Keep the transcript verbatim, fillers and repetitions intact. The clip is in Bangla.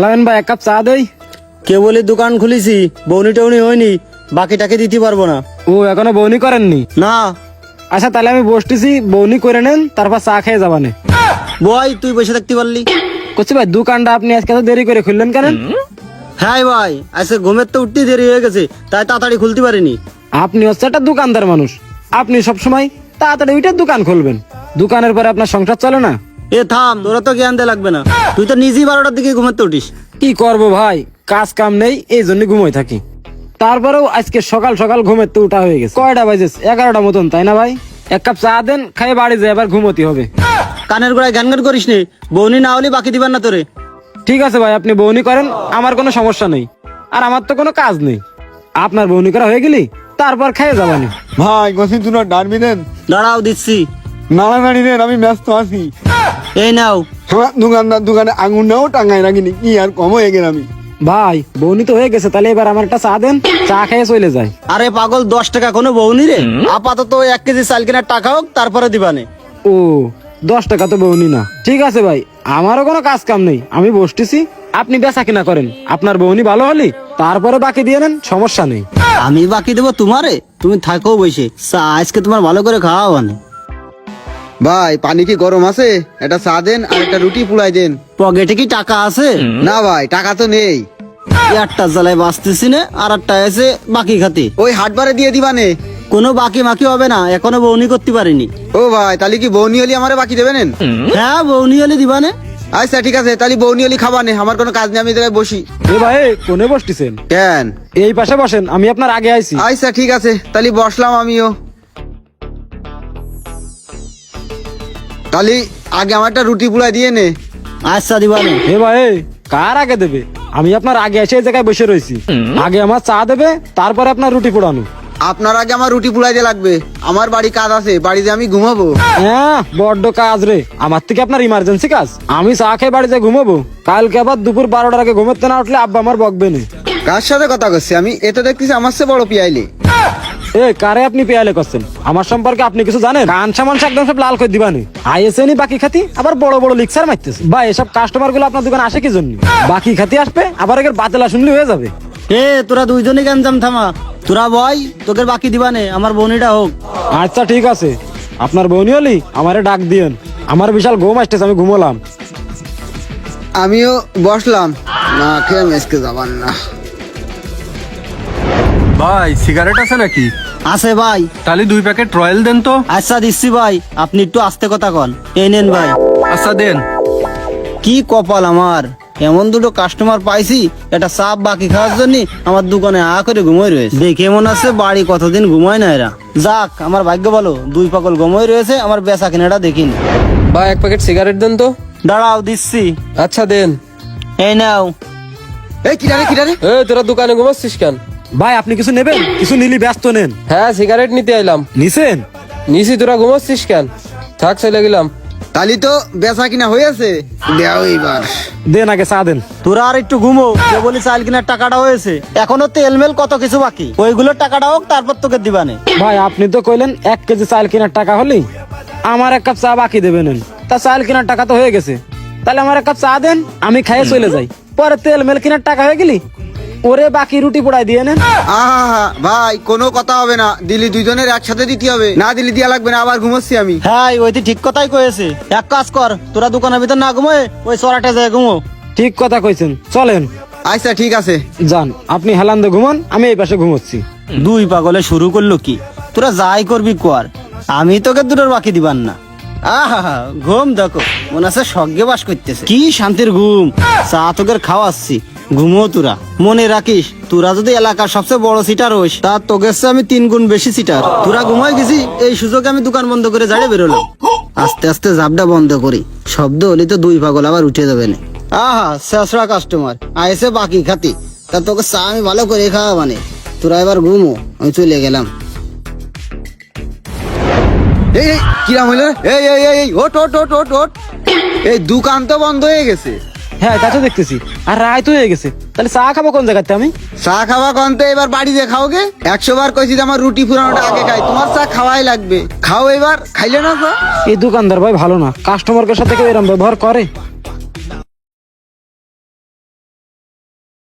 আলামিন ভাই এক কাপ চা দেই। কে বলে দোকান খুলেছি, বৌনি টৌনি হয়নি, বাকিটাকে দিতে পারবো না। ও এখনো বউনি করেননি? না আচ্ছা তাহলে আমি বসতেছি, বউনি করে নেন, তারপর চা খেয়ে যাবানে। বই তুই বসে থাকতে পারলি? করছি ভাই দোকানটা আপনি আজকে তো দেরি করে খুললেন কেন? হ্যাঁ ভাই, আজকে ঘুমের তো উঠতে দেরি হয়ে গেছে, তাই তাড়াতাড়ি খুলতে পারিনি। আপনি হচ্ছে একটা দোকানদার মানুষ, আপনি সবসময় তাড়াতাড়ি ওইটা দোকান খুলবেন, দোকানের পরে আপনার সংসার চলে না। এ থাম, তোরা তো জ্ঞান দে লাগবে না, তুই তো নিজেই বারোটার দিকে ঘুমের তো উঠিস। কি করব ভাই, কাজ কাম নেই, এই জন্য ঘুমোই থাকি। তারপরেও আজকে সকাল সকাল ঘুমের তো উঠা হয়ে গেছে। কয়টা বাজে? এগারোটা মতন, তাই না ভাই? এক কাপ চা দেন, খাই বাড়ি যায়, এবার ঘুমোতে হবে। কানের গোড়ায় গান গান করিস নি, বৌনি না হলে বাকি দিবার না তোরে। ঠিক আছে ভাই, আপনি বউনি করেন, আমার কোনো সমস্যা নেই, আর আমার তো কোনো কাজ নেই। আপনার বউনি করা হয়ে গেলি তারপর খেয়ে যাবানি। ভাই গোসিন তুনার ডানবি দেন, দাঁড়াও দিচ্ছি। নাড়ানাড়ি দেন, আমি ব্যস্ত আছি। এই নাও। আমার দোকানদার দোকানে আঙুর নাও টাঙ্গাই রাখিনি, কি আর কম হয়ে গেল আমি। ভাই বউনি তো হয়ে গেছে, তাহলে এবার আমার একটা চা দেন, চা খেয়ে চলে যায়। আরে পাগল, দশ টাকা কোনো বৌনি রে? আপাতত এক কেজি চাল কেনার টাকা হোক, তারপরে দিবানে। ও দশ টাকা তো বউনি না। ঠিক আছে ভাই, আমারও কোনো কাজ কাম নেই, আমি বসতেছি, আপনি বেচা কিনা করেন, আপনার বউনি ভালো হলি তারপরে বাকি দিয়ে নেন, সমস্যা নেই। আমি বাকি দেবো তোমারে? তুমি থাকো বসে, চা আজকে তোমার ভালো করে খাওয়া মানে। ভাই পানি কি গরম আছে? একটা চা দেন আর একটা রুটি পুলাই দেন। পকেটে কি টাকা আছে? না ভাই, টাকা তো নেই। একটা জ্বালায় বাঁচতেছি না, আর একটা আছে বাকি খাতে। ওই হাটবারে দিয়ে দিবানে। কোনো বাকি মাকি হবে না, এখনো বৌনি করতে পারিনি। ও ভাই, তাহলে কি বৌনি হলি আমারে বাকি দেবেন? হ্যাঁ বৌনি হলে দিবানে। আচ্ছা ঠিক আছে, তাহলে বৌনি হলি খাবানে, আমার কোনো কাজ নেই, আমি জায়গায় বসি। এ ভাই কোনে বসতেছেন? কেন? এই পাশে বসেন, আমি আপনার আগে আইছি। আচ্ছা ঠিক আছে, তাহলে বসলাম আমিও। তাহলে আগে আমার একটা রুটি পুলাই দিয়ে নে। আচ্ছা দিবানে। এ ভাই কার আগে দেবে? আমি আপনার আগে এসে এই জায়গায় বসে রয়েছি, আগে আমার চা দেবে, তারপরে আপনার রুটি পোড়ানো। আপনার আগে আমার রুটি পুলাই দিয়ে লাগবে, আমার বাড়ি কাজ আছে, বাড়িতে আমি ঘুমাবো। হ্যাঁ বড্ড কাজ রে, আমার থেকে আপনার ইমার্জেন্সি কাজ। আমি চা খেয়ে বাড়িতে ঘুমাবো, কালকে আবার দুপুর বারোটার আগে ঘুমাতে না উঠলে আব্বা আমার বকবে না। কার সাথে কথা করছি আমি? এ তো দেখতেছি আমার চেয়ে বড় পিয়াইলি। এ কারে আপনি পেয়ালে করছেন? আমার সম্পর্কে আপনি কিছু জানেন? কান সামান একদম সব লাল করে দিবানি। আইএসএনই বাকি খাতি, আবার বড় বড় লিক্সার মারতেছে। ভাই এসব কাস্টমার গুলো আপনার দোকানে আসে কি জন্য? বাকি খাতি আসবে, আবার এর বাতেলা শুনলে হয়ে যাবে। এ তোরা দুইজনই গাঞ্জাম থামা, তোরা বয়, তোকে বাকি দিবানে, আমার বৌনিটা হোক। আচ্ছা ঠিক আছে, আপনার বউনি হলি আমারে ডাক দিয়েন, আমার বিশাল ঘুম আসতেছে, আমি ঘুমোলাম। আমিও বসলাম, না খেয়ে মেসকে যাবার না। ভাই সিগারেট আছে নাকি? আছে ভাই। তাহলে দুই প্যাকেট রয়্যাল দেন তো। আচ্ছা দিচ্ছি ভাই, আপনি একটু আস্তে কথা কন। এই নেন ভাই। আচ্ছা দেন। কি কপাল আমার, এমন দুটো কাস্টমার পাইছি, এটা সাপ বাকি খাওয়ার জন্য আমার দোকানে আ করে ঘুমোই রয়েছে। দেখে মনে আছে বাড়ি কতদিন ঘুমায় না এরা। যাক আমার ভাগ্য ভালো, দুই পাগল ঘুমোই রয়েছে, আমার বেচা কেনাটা দেখিনি। ভাই এক প্যাকেট সিগারেট দেন তো। দাঁড়াও দিচ্ছি। আচ্ছা দেন। এই নাও। এই কিরারে কিরারে? এ তোরা দোকানে ঘুমাচ্ছিস কেন? ভাই আপনি কিছু নেবেন? কিছু নিলি ব্যস্ত নেন। হ্যাঁ সিগারেট নিতে আইলাম। নিছেন? নিছি, তোরা ঘুমাচ্ছিস কেন? থাক চলে গেলাম। তাহলে তো বেচা কিনা হয়েছে, দেও এইবার। দেন আগে চা দেন। তোরা আর একটু ঘুমো, যে বলি চাল কেনার টাকাটা হয়েছে, এখনো তেলমেল কত কিছু বাকি, ওইগুলোর টাকাটা হোক, তারপর তোকে দিবানে। ভাই আপনি তো কইলেন এক কেজি চাল কেনার টাকা হলেই আমার এক কাপ চা বাকি দেবেন। তা চাল কেনার টাকা তো হয়ে গেছে, তাহলে আমার এক কাপ চা দেন, আমি খাইয়ে চলে যাই, পরে তেল মেল কেনার টাকা হয়ে গেলি ওরে বাকি রুটি পোড়াই দিয়ে নেন। আহা ভাই, কোনো কথা হবে না, দিলি দুইজনের একসাথে দিতে হবে, না দিলি দিয়া লাগবে না, আবার ঘুমোচ্ছি আমি। হ্যাঁ ওই তো ঠিক কথাই কয়েছে। এক কাজ কর, তোরা দোকানের ভিতর না ঘুমোয় ওই সরাটা যায় ঘুমো। ঠিক কথা কইছেন, চলেন। আচ্ছা ঠিক আছে, যান আপনি হেলান্দে ঘুমান, আমি এই পাশে ঘুমোচ্ছি। দুই পাগলে শুরু করলো কি, তোরা যাই করবি কর, আমি তোকে দুটোর বাকি দিবান না। আহা ঘুম দেখো, মনে আছে স্বর্গে বাস করতেছে, কি শান্তির ঘুম। চা তোকে খাওয়াচ্ছি, ঘুমো তোরা। মনে রাখিস, তোরা যদি এলাকার সবচেয়ে বড় সিটার হইস, তা তোকে আমি তিন গুণ বেশি সিটার। তোরা ঘুমাই গেছি, এই সুযোগে আমি দোকান বন্ধ করে জাড়ে বেরোলাম। আস্তে আস্তে জাবটা বন্ধ করি, শব্দ হলে তো দুই পাগল আবার উঠে যাবে না। আহা শেষরা কাস্টমার আইসে বাকি খাতি, তা তোকে চা আমি ভালো করে খাওয়া মানে। তোরা এবার ঘুমো, আমি চলে গেলাম। এই এই কিরাম হইলো রে? এই এই এই, এই ওট ওট ওট ওট ওট, এই দোকান তো বন্ধ হয়ে গেছে। হ্যাঁ তা তো দেখতেছি, আর রায় তো হয়ে গেছে, তাহলে চা খাবো কোন জায়গাতে আমি? চা খাওয়া কনতে এবার বাড়িতে খাওগে? একশো বার কইছি যে আমার রুটি ফুরানোটা আগে খাই, তোমার চা খাওয়াই লাগবে, খাও এবার। খাইলে না চা? এই দোকানদার ভাই ভালো না, কাস্টমারের সাথে কেউ এরকম ব্যবহার করে?